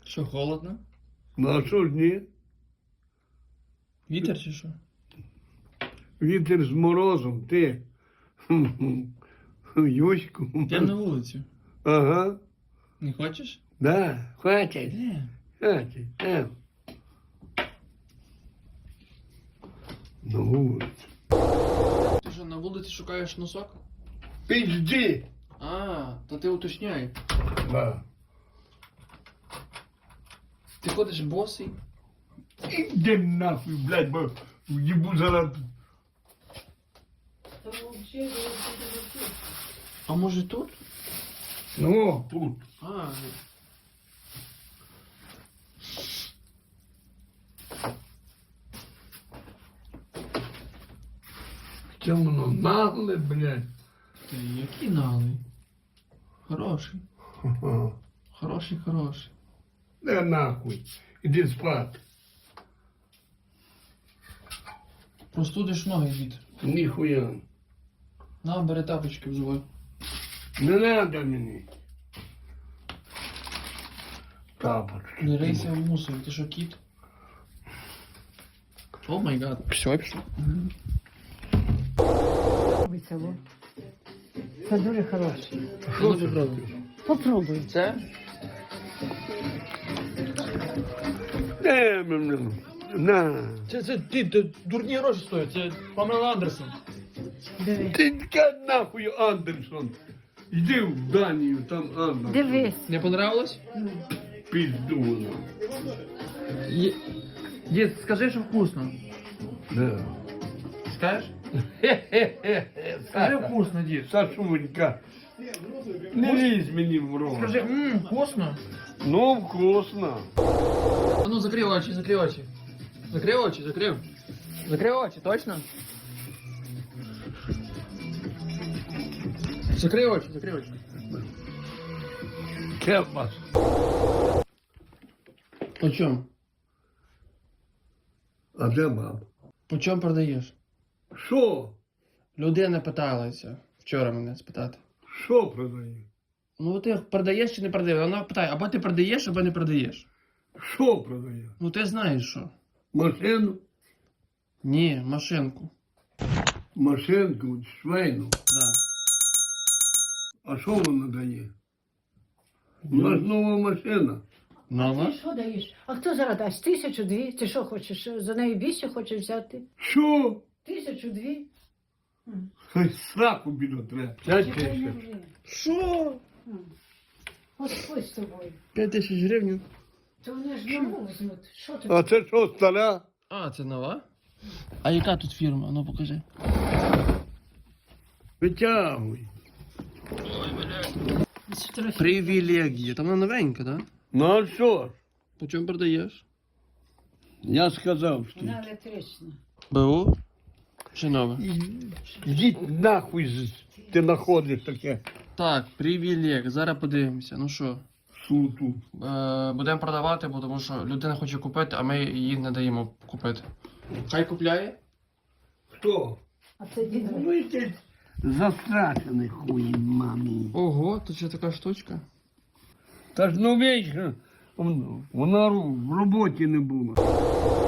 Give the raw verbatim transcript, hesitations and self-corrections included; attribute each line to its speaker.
Speaker 1: Що, холодно?
Speaker 2: Ну а що ж ні?
Speaker 1: Вітер чи що?
Speaker 2: Вітер з морозом, ти. Юську.
Speaker 1: Йдемо на вулицю.
Speaker 2: Ага.
Speaker 1: Не хочеш?
Speaker 2: Да, хватить.
Speaker 1: Де?
Speaker 2: Хватить. Е. На вулицю.
Speaker 1: Ти що, на вулиці шукаєш носок?
Speaker 2: Пізді.
Speaker 1: А, то ти уточняй.
Speaker 2: Да.
Speaker 1: Ти ходиш босий?
Speaker 2: Іди нахуй, блядь, бо їбу зараз.
Speaker 1: А може тут?
Speaker 2: Ну, тут.
Speaker 1: А,
Speaker 2: Це воно нагле, блядь.
Speaker 1: ти який налий? Хороший.
Speaker 2: Ха-ха.
Speaker 1: Хороший, хороший.
Speaker 2: Де нахуй. Іди спати.
Speaker 1: Простудиш ноги від.
Speaker 2: Ніхуя.
Speaker 1: На, бери тапочки взувай.
Speaker 2: Не надо мені. Тапочки.
Speaker 1: Не рийся в мусорі, ти що, кіт? О май гад. Все, пішло.
Speaker 3: Вицело. Це дуже хороше.
Speaker 1: Що ти пробуєш?
Speaker 3: Попробуй.
Speaker 1: Це?
Speaker 2: Де мене? На.
Speaker 1: Це, це, ти, ти дурні гроші стоять, це Памела Андерсон.
Speaker 3: Диви.
Speaker 2: Ти така нахуй Андерсон. Йди в Данію, там Андерсон.
Speaker 3: Дивись.
Speaker 1: Не понравилось?
Speaker 2: Пізду вона.
Speaker 1: Дід, скажи, що вкусно.
Speaker 2: Да.
Speaker 1: Скажеш?
Speaker 2: Хе-хе-хе.
Speaker 1: Скажи вкусно, дід.
Speaker 2: Сашунька. Не лізь мені в рот.
Speaker 1: Скажи, ммм, вкусно.
Speaker 2: Ну, вкусно.
Speaker 1: А ну, закрий очі, закрий очі. Закрий очі, закрив. Закрий очі, точно? Закрий очі, закрий очі.
Speaker 2: Кепас.
Speaker 1: По чому?
Speaker 2: А де баб?
Speaker 1: По чому продаєш?
Speaker 2: Що?
Speaker 1: Людина питалася вчора мене спитати.
Speaker 2: Що продає?
Speaker 1: Ну ти продаєш чи не продаєш? Вона питає, або ти продаєш, або не продаєш.
Speaker 2: Що продає?
Speaker 1: Ну ти знаєш що?
Speaker 2: Машину?
Speaker 1: Ні, машинку.
Speaker 2: Машинку, швейну.
Speaker 1: Да.
Speaker 2: А що вона дає? У нас нова машина.
Speaker 1: Нова?
Speaker 3: Ти що даєш? А хто зараз дасть? Тисячу дві? Ти що хочеш? За неї більше хочеш взяти?
Speaker 2: Що?
Speaker 3: Тисячу дві?
Speaker 2: Хай сраку біля треба. П'ять
Speaker 3: Чекай, не
Speaker 2: тисяч.
Speaker 3: вже.
Speaker 1: Що?
Speaker 3: Господь з тобою.
Speaker 1: П'ять тисяч гривень?
Speaker 3: То вони ж нову візьмуть. Що ти?
Speaker 2: А це що, стара?
Speaker 1: А, це нова? А яка тут фірма? Ну покажи.
Speaker 2: Витягуй.
Speaker 1: Привілегія. Там вона новенька, так? Да?
Speaker 2: Ну а що ж?
Speaker 1: По чому продаєш?
Speaker 2: Я сказав, що.
Speaker 3: Вона електрична.
Speaker 1: БУ? Чи нове?
Speaker 2: Йдіть нахуй, з- ти знаходиш таке
Speaker 1: Так, привілег. Зараз подивимося. Ну що,
Speaker 2: суту.
Speaker 1: е, будемо продавати, бо тому що людина хоче купити, а ми їй не даємо купити. Хай купляє?
Speaker 2: Хто?
Speaker 3: А це дідо.
Speaker 2: Ну якийсь застрашений хуй мамі.
Speaker 1: Ого, тут ще така штучка.
Speaker 2: Та ж ну вічно, вона ру- в роботі не була.